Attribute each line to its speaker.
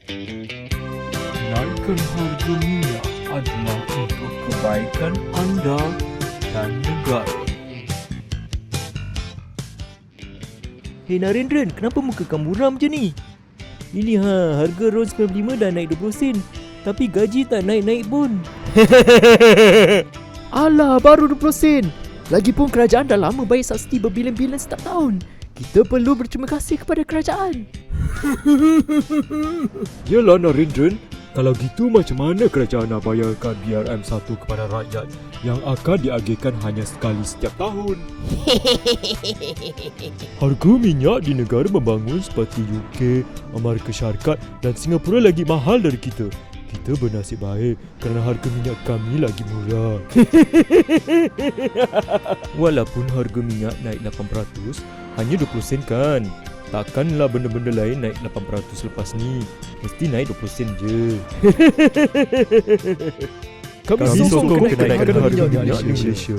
Speaker 1: Naikkan harga minyak adalah untuk kebaikan anda dan negara.
Speaker 2: Hei Narendran, kenapa muka kamu muram je ni? Ini harga RON 95 dah naik 20 sen. Tapi gaji tak naik-naik pun. Alah, baru 20 sen. Lagipun kerajaan dah lama bayar subsidi berbilion-bilion setiap tahun. Kita perlu berterima kasih kepada kerajaan.
Speaker 3: Yalah Narendran, kalau gitu macam mana kerajaan nak bayarkan BRM1 kepada rakyat yang akan diagihkan hanya sekali setiap tahun? Harga minyak di negara membangun seperti UK, Amerika Syarikat dan Singapura lagi mahal dari kita. Kita bernasib baik kerana harga minyak kami lagi murah.
Speaker 2: Walaupun harga minyak naik 8%, hanya 20 sen kan? Takkanlah benda-benda lain naik 8% lepas ni. Mesti naik 20 sen je.
Speaker 3: Kami sokong kenaikan harga minyak di Malaysia.